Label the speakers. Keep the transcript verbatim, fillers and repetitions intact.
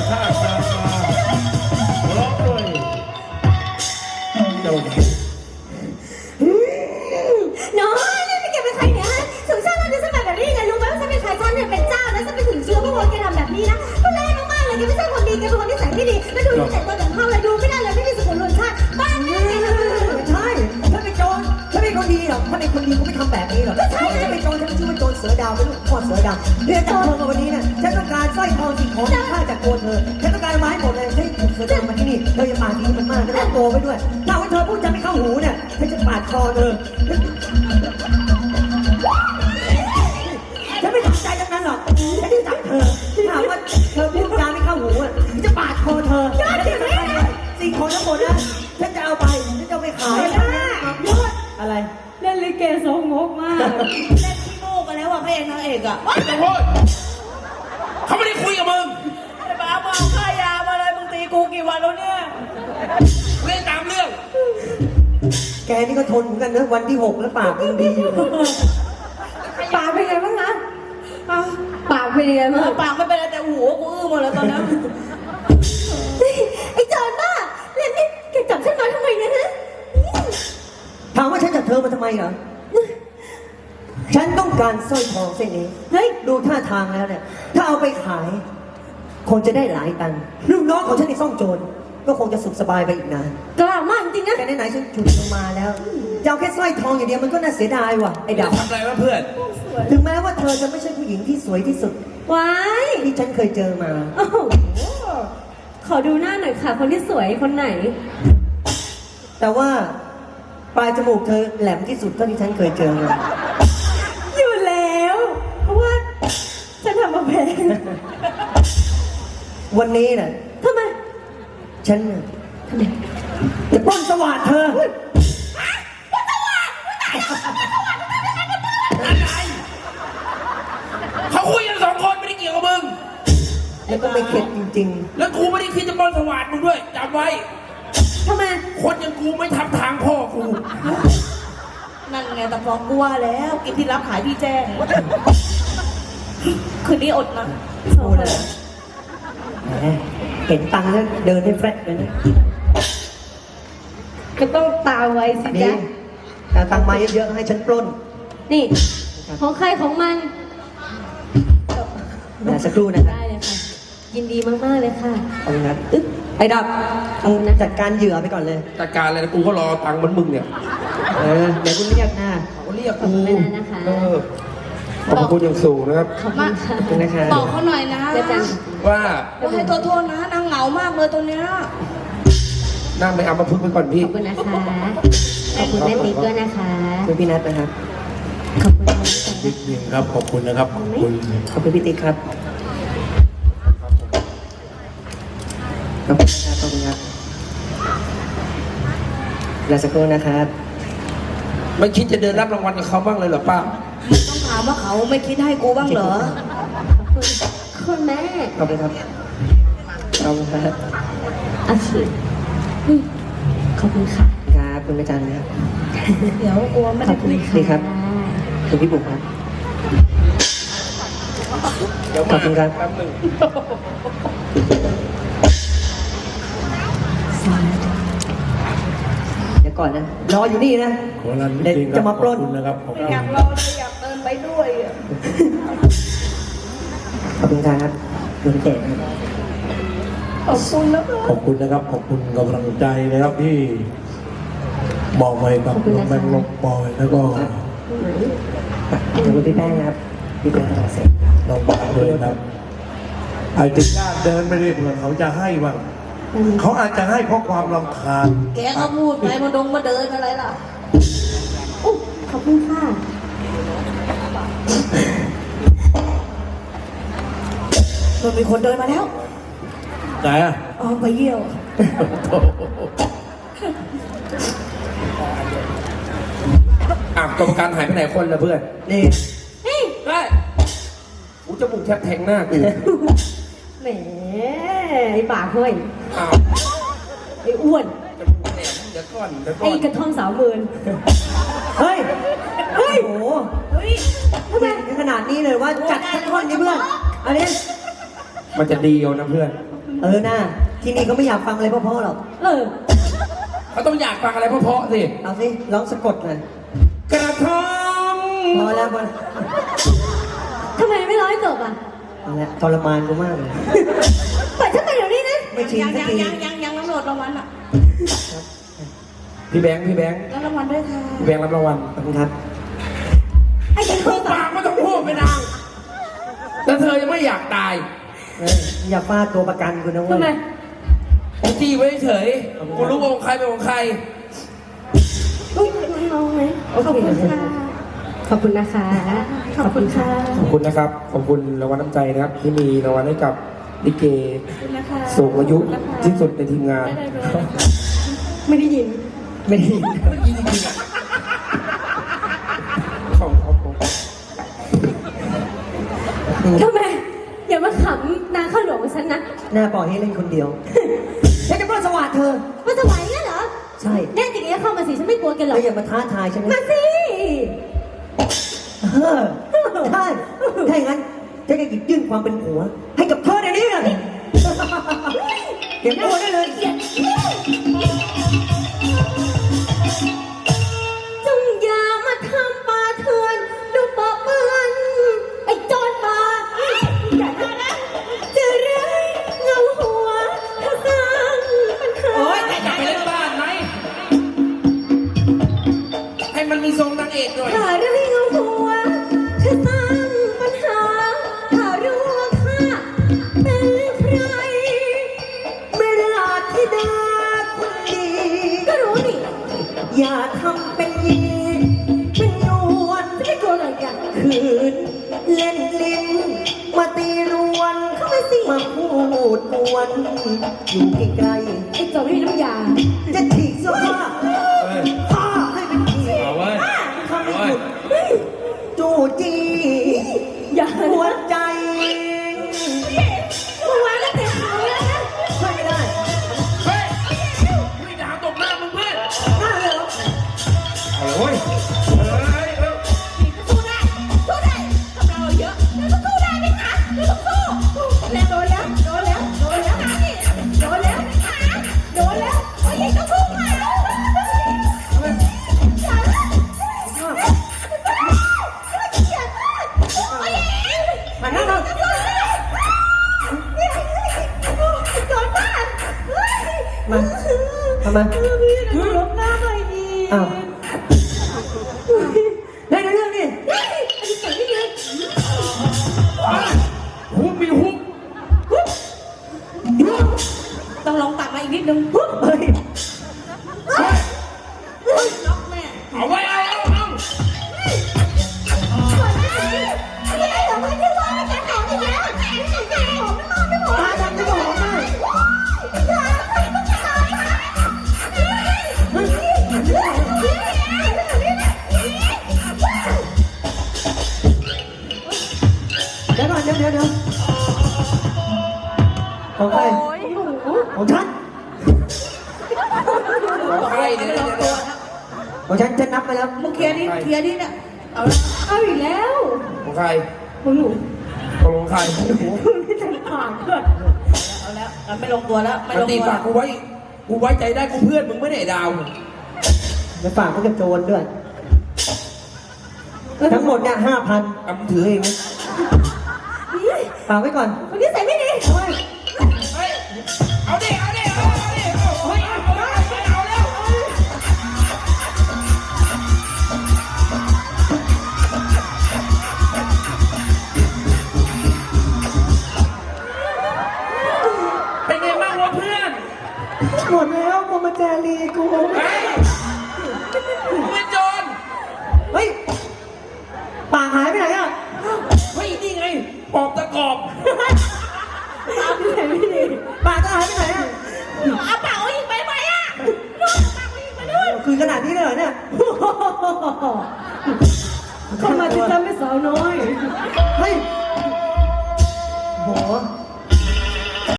Speaker 1: ข้าตามมาร้องด้วยเจ้า
Speaker 2: น้องนี่ไม่เก็บเป็นใครเนี่ยฮะถึงชาติเราจะสมัยแบบนี้ยังไงรู้ไหมว่าฉันเป็นใครฉันเนี่ยเป็นเจ้านะฉันเป็นถึงเชื้อพระวงศ์แกทำแบบนี้นะก็แรงมากๆเลยแกไม่ใช่คนดีแกเป็นคนที่ใส่ไม่ดีแล้วดูแต่ตัวอย่างเขาเลยดูไม่ได้เลยไม่มีสุขุมชาติบ้านนี้
Speaker 3: ใช่ฉันเป็นโจรฉันเป็นคนดีหรอกถ้าเป็นคนดีก็ไม่ทำแบบนี้หรอกก็ใช่ฉันเป็นโจรฉันชื่อว่าโจรเสือดาวเป็นลูกพ่อเสือดาวเรื่องจากเธอมาวันนี้เนี่ยฉันต้องการสร้อยทองสิ่งของที่ข้าจากตัวเธอฉันต้องการไม้หมดเลยฉันถูกเสือดาวมาที่นี่เธออย่าปากดีมันมากจะต้องโตไปด้วยถ้าว่าเธอพูดจะไม่เข้าหูเนี่ยฉันจะปาดคอเธอฉันไม่สนใจทั้งนั้นหรอกฉันจะจับเธอถามว่าเธอพูดจาไม่เข้าหูอ่ะจะปาดคอเธอสิ่งของทั้งหมดนะฉันจะเอาไปฉันจะเอาไปขายอะไร
Speaker 2: เล่นลิเกโซงกมาก
Speaker 4: เล่นขี้โม่กันแล้วอ่ะพระเอกนางเอกอ่ะ
Speaker 1: ไม่ต้องพูดเขาไม่ได้คุยกับมึง
Speaker 4: ไอ้บ้ามาเอาค่ายามาเลยมึงตีกูกี่วันแล้วเนี่ย
Speaker 1: เล่นตามเรื่อง
Speaker 3: แกนี่ก็ทนเหมือนกันนะวันที่หกแล้วปากยังดีอยู่
Speaker 2: ปากเป็นไงบ้างนะปากเป็นไงบ้าง
Speaker 4: ปากไม่เป็นไรแต่หัวกูอื้อหมดแล้วตอนนี้
Speaker 2: ไอ้โจรบ้าเล่นนี่แกจับฉันมาทำไมเนี่ยฮะ
Speaker 3: ถามว่าฉันจับเธอมาทำไมเหรอฉันต้องการสร้อยทองเส้นนี้เฮ้ยดูท่าทางแล้วเนี่ยถ้าเอาไปขายคงจะได้หลายตังค์ลูกน้องของฉันในซ่องโจรก็คงจะสุขสบายไปอีกนาน
Speaker 2: กล้ามากจริงนะ
Speaker 3: แต่ไหนๆฉันฉุดลงมาแล้วจะเอาแค่สร้อยทองอย่างเดียวมันก็น่าเสียดายว่ะไอ้ดาว
Speaker 1: ทำอะไรวะเพื่อน
Speaker 3: ถึงแม้ว่าเธอจะไม่ใช่ผู้หญิงที่สวยที่สุด
Speaker 2: ว้าย
Speaker 3: ที่ฉันเคยเจอมา
Speaker 2: โอ้โหขอดูหน้าหน่อยค่ะคนที่สวยคนไหน
Speaker 3: แต่ว่าปลายจมูกเธอแหลมที่สุดเท่าที่ฉันเคยเจอมา
Speaker 2: อยู่แล้วเพราะว่าฉันทำมาแพง
Speaker 3: วันนี้น่ะ
Speaker 2: ทำไม
Speaker 3: ฉันจะปล้นสวัสดิ์เธอ
Speaker 1: เขาคุยกันสองคนไม่ได้เกี่ยวกับมึง
Speaker 3: แล้วก็ไม่เข็ดจริง
Speaker 1: ๆแล้วกูไม่ได้คิดจะปล้นสวัสดิ์มึงด้วยจำไว้
Speaker 2: ทำไม
Speaker 1: คนอย่างกูไม่ทำทางพ่อกู
Speaker 4: นั่นไงแต่ฟองกูว่าแล้วกินที่รับขายพี่แจ้งคืนนี้อดนะ
Speaker 3: โอ้เลยเห็นตังค์แล้วเดินให้แฟรชเลยนะ
Speaker 2: ก็ต้องตาไว้สิจ๊ะ
Speaker 3: แต่ตังค์มาเยอะๆให้ฉันปล้น
Speaker 2: นี่ของใครของมัน
Speaker 3: นะสักครู่นะครับ
Speaker 2: ได้เลยค่ะยินดีมากๆเลยค่ะ
Speaker 3: ขอบคุณครับไอ้ดับเอาจัดการเหยื่อไปก่อนเลย
Speaker 1: จัดการอะไรนะกูก็รอตังค์เหมือนมึงเนี่ย
Speaker 3: เออเดี๋ยวคุณเรียกหน้า
Speaker 1: เขาเรียกกู
Speaker 2: นะคะ
Speaker 1: เออขอบคุณอย่างสูงนะครับ
Speaker 2: ขอบคุณค่ะ
Speaker 4: บอกเขาหน่อยนะ
Speaker 1: ว่า
Speaker 4: ว่าให้โทษนะนางเหงามากเลยตัวเนี้ย
Speaker 1: นั่งไปเอามาพึ่งไปก่อนพี่
Speaker 2: ขอบคุณนะคะขอบคุณแม่ติ๊กด้วยนะคะ
Speaker 3: คุณพี่นัทนะครับ
Speaker 2: ขอบคุณ
Speaker 1: นิดนึงครับขอบคุณนะครับขอบคุณ
Speaker 3: ขอบคุณพี่ติ๊กครับขอบคุณครับขอบคุณครับรอสักครู่นะครับ
Speaker 1: ไม่คิดจะเดินรับรางวัลกับเขาบ้างเลยเหรอป้า
Speaker 4: ต้องถามว่าเขาไม่คิดให้กูบ้างเหรอ
Speaker 2: คุณแม่
Speaker 3: ขอบคุณครับขอบคุณครับ
Speaker 2: อาชีพขอบคุณค่ะ
Speaker 3: ครับคุณแม่จันนะครับ
Speaker 4: เดี๋ยวกลัวไม่ได้คุย
Speaker 3: ดีครับคุณพี่บุ๋มครับขอบคุณครับเดี๋ยวก่อนนะรออยู่นี่นะเด็กจะมาปล้น
Speaker 1: นะครับ
Speaker 4: อยากรอเลยอยากเดินไปด้วย
Speaker 3: ขอบคุณครับคุณเจน
Speaker 4: ขอบคุณนะ
Speaker 1: ขอบคุณนะครับขอบคุณกำลังใจนะครับที่บอกไว้กับน้องแบงค์ลงบอยแล้วก็
Speaker 3: ขอบคุณพี่แป้งครับพี่แป้งเสร็จ
Speaker 1: น้องบอยด้วยครับไอ้ติดญาติเดินไม่ได้เผื่อเขาจะให้บ้างเขาอาจจะให้เพราะความรำคาญ
Speaker 4: แกเขาพูดไปมาดงมาเดินอะไรล่ะ
Speaker 2: ขอบคุณค่ะ
Speaker 4: มันมีคนเดินมาแล้ว
Speaker 1: ไหนอ่ะ
Speaker 4: อ๋อไปเยี่ยว
Speaker 1: อ่ะกรรมการหายไปไหนคนละเพื่อน
Speaker 3: นี่
Speaker 2: นี่
Speaker 1: ได้กูจะบุกแทบแทงหน้ากู
Speaker 2: แหมไอ้ปากห้อย
Speaker 1: อ้าว
Speaker 2: ไอ้อ้วน
Speaker 1: จะบุกแหลมเดี๋ยวก่อนเดี๋ยวก่อน
Speaker 2: ไอ้กระท่อมสาวเมิน
Speaker 3: เฮ้ยเฮ้ยโอ้
Speaker 4: เฮ้ย
Speaker 3: ทำไมขนาดนี้เลยว่าจัดทั้งท่อนนี้เพื่อนอันนี้
Speaker 1: มันจะดีเอานะเพื่อน
Speaker 3: เออหน้าที่นี่เขาไม่อยากฟังอะไรเพราะๆหรอก
Speaker 2: เออ
Speaker 5: เขาต้องอยากฟังอะไรเพราะๆสิ
Speaker 3: เอาสิร้องสะกดหน่อย
Speaker 5: กระทง
Speaker 3: พอแล้วพอแล้ว
Speaker 2: ทำไมไม่ร้อยจบอ่ะ
Speaker 3: เอาละทรมานกูมากเลย
Speaker 2: ปล่อยฉันไปเดี๋ยวนี้นะ
Speaker 3: ไม่ชิน
Speaker 4: ยัง
Speaker 3: สัก
Speaker 4: ยัง
Speaker 3: ที
Speaker 4: ยังยังยังน้ำโหลดรางวัลอ่ะ
Speaker 5: พี่แบงค์พี่แบงค์
Speaker 4: แล้วรางวัลด้วยค่ะ
Speaker 5: พี่แบงค์รับรางวัล
Speaker 3: ขอบคุณครับ
Speaker 2: ไอ้เด็กค
Speaker 5: พู
Speaker 2: น
Speaker 5: ด
Speaker 2: ต่อ
Speaker 5: ปากไม่ต้องพูดไปนางแต่เธอยังไม่อยากตาย
Speaker 3: เอออย่าฟาดตัวประกันกูนะเว้
Speaker 2: ทำไม
Speaker 3: ย
Speaker 5: ไอ้จี้ไว้เฉยกูรู้ว่าของใครเป็นของใคร
Speaker 2: อุ้ยน้องๆไหมขอบคุณค่ะ ขอบคุณนะคะ ขอบคุณค่ะ
Speaker 5: ขอบคุณนะครับ ขอบคุณรางวัลน้ำใจนะครับ ที่มีรางวัลให้กับลิเก
Speaker 4: ขอบคุณนะคะ
Speaker 5: สูงอายุที่สุดในทีมงาน
Speaker 4: ได้เลย
Speaker 2: ไม่ได้ยิน
Speaker 3: ไม่ได้ยิน
Speaker 5: ไม่ยินจริงๆอ่ะขอบคุณครับผม
Speaker 2: ทำไม อย่ามาขำนางข้าวหลวงของฉันนะ
Speaker 3: หน้าปล่อยให้เล่นคนเดียวฉันจะปล้นสวัสดิ์เธอ
Speaker 2: มาถวายงั้นเหรอ
Speaker 3: ใช่
Speaker 2: แน่จริงๆเข้ามาสิ ฉันไม่กลัวแกหรอก
Speaker 3: แล้วอย่ามาท้าทายฉัน
Speaker 2: มา
Speaker 3: นะ
Speaker 2: สิ
Speaker 3: เออได้ถ้าอย่างนั้นฉันจะหยิบยื่นความเป็นผัว ให้กับเธอเดี๋ยวนี้เลยเก็บตัวได้เลย
Speaker 2: จงอย่ามาทำปาเถื่อนดูปะเปื้อนไอ้โจรป่าอย่าทำนะจะเรื่อยเงาหัวถ้าสร้างปัญหา
Speaker 5: โอ๊ยอยากไปเล่นบ้านไหม ให้มันมีทรงนางเอกหน่อย
Speaker 2: ถ้าเรื่อยเงาหัวถ้าสร้างปัญหาถ้ารู้ว่าข้าเป็นใคร
Speaker 3: เวลาที่ดาคนดี
Speaker 2: ก็รู้นี่
Speaker 3: อย่าทำเป็นยีเป็นนวล
Speaker 2: จะไม่กลัวอะไรกัน
Speaker 3: คืนเล่นลิ้น มาตีรวน
Speaker 2: เข้ามาสิ
Speaker 3: มาพูดกวนอยู่ใกล้
Speaker 2: ไอ้โจรไม่มีน้ำยา
Speaker 3: ๆจะถีบเสื้อผ้า
Speaker 5: เฮ้ย
Speaker 3: ผ้าให้เป็นผี
Speaker 5: เอาเว้ย
Speaker 3: ถ้าไม่
Speaker 5: เอา
Speaker 3: ห
Speaker 5: เว้
Speaker 3: ยุ
Speaker 5: ย
Speaker 3: ดจู่จี
Speaker 2: อย่า
Speaker 3: หัวใจ
Speaker 2: มึงวางแล้วเตะขาเลยนะ
Speaker 3: ช่วยไม่ได้
Speaker 5: เฮ้ยไม่ด่าตบหน้ามึงเพื่อน
Speaker 3: หน้าเลยเหรอ
Speaker 5: เอาเว้ยเฮ้ยเฮ้ย
Speaker 4: สู้ได้สู้ได้กับเราเยอะเราสู้ได้ไหมคะเราสู้แล้วโดนแล้วโดนแล้วโดนแล้วโดนแล้วโดนแล้วโอ้ยก็สู้มา
Speaker 3: มานั่งลงมาทำไม
Speaker 2: ลบหน้าหน่อยดี
Speaker 3: อ้าวเฮ้ยเดี๋ยวเรื่องนี่
Speaker 5: ฮุบมีฮุบ
Speaker 4: ต้องลองตัดมาอีกนิดนึง
Speaker 3: เฮ้ย
Speaker 4: ล็อกแม่
Speaker 5: เอาไว้เอาเอาเอา
Speaker 3: ตาดำจะบอกได้เดี๋ยวก่อนเดี๋ยวเดี๋ยวเดี๋ยวของใครของฉัน
Speaker 5: เอาใครเดี๋ยวเดี๋ยวเดี๋ยว
Speaker 3: ของฉันฉันนับไปแล้ว
Speaker 4: มึงเคลียร์ดิเคลียร์ดิเนี่ยเอาละ
Speaker 2: เอาอีกแล้ว
Speaker 5: ของใคร
Speaker 2: ของหนู
Speaker 5: ตกลงใคร
Speaker 2: ไม่ทันผ่านเพื่อน
Speaker 4: เอาแล้วเอาไม่ลงตัวแล้วไม่
Speaker 5: มัน
Speaker 4: ลง
Speaker 5: ตี
Speaker 4: ตัว
Speaker 5: ปากกูไว้ กูไว้ใจได้กูเพื่อนมึงไม่ได้ดาว
Speaker 3: ไปฝากเขากับโจรด้วย ทั้งหมดเนี่ยห้าพัน
Speaker 5: เอามึงถือเองไหม
Speaker 3: ฝากไว้ก่อน
Speaker 2: คนนี้ใส่ไม่ดี
Speaker 3: เอาไว้
Speaker 5: เฮ้ยเอาดิเอาดิเอาดิเอาเฮ้ยเอาเอาเอาแล้ว เป็นไงบ้างวะเพื่อน
Speaker 3: หมดแล้วโมมาจารีกู
Speaker 5: เฮ้ยมึงเป็นโจร
Speaker 3: เฮ้ยปากหายไปไหนอ่ะ
Speaker 5: เฮ้ยนี่ไงปอบตะกอบ
Speaker 2: ตามที่ใส่ไม่ดี
Speaker 3: ปากจะหายไปไหนอ่ะ
Speaker 4: เอาเปล่าอีกไปไหมอ่ะโดนเอาเปล่าอีกไปด้วย
Speaker 3: คือขนาดนี้เลยเหรอเนี่ย
Speaker 2: เข้ามาจะจำไม่สาวน้อย
Speaker 3: เฮ้ยโห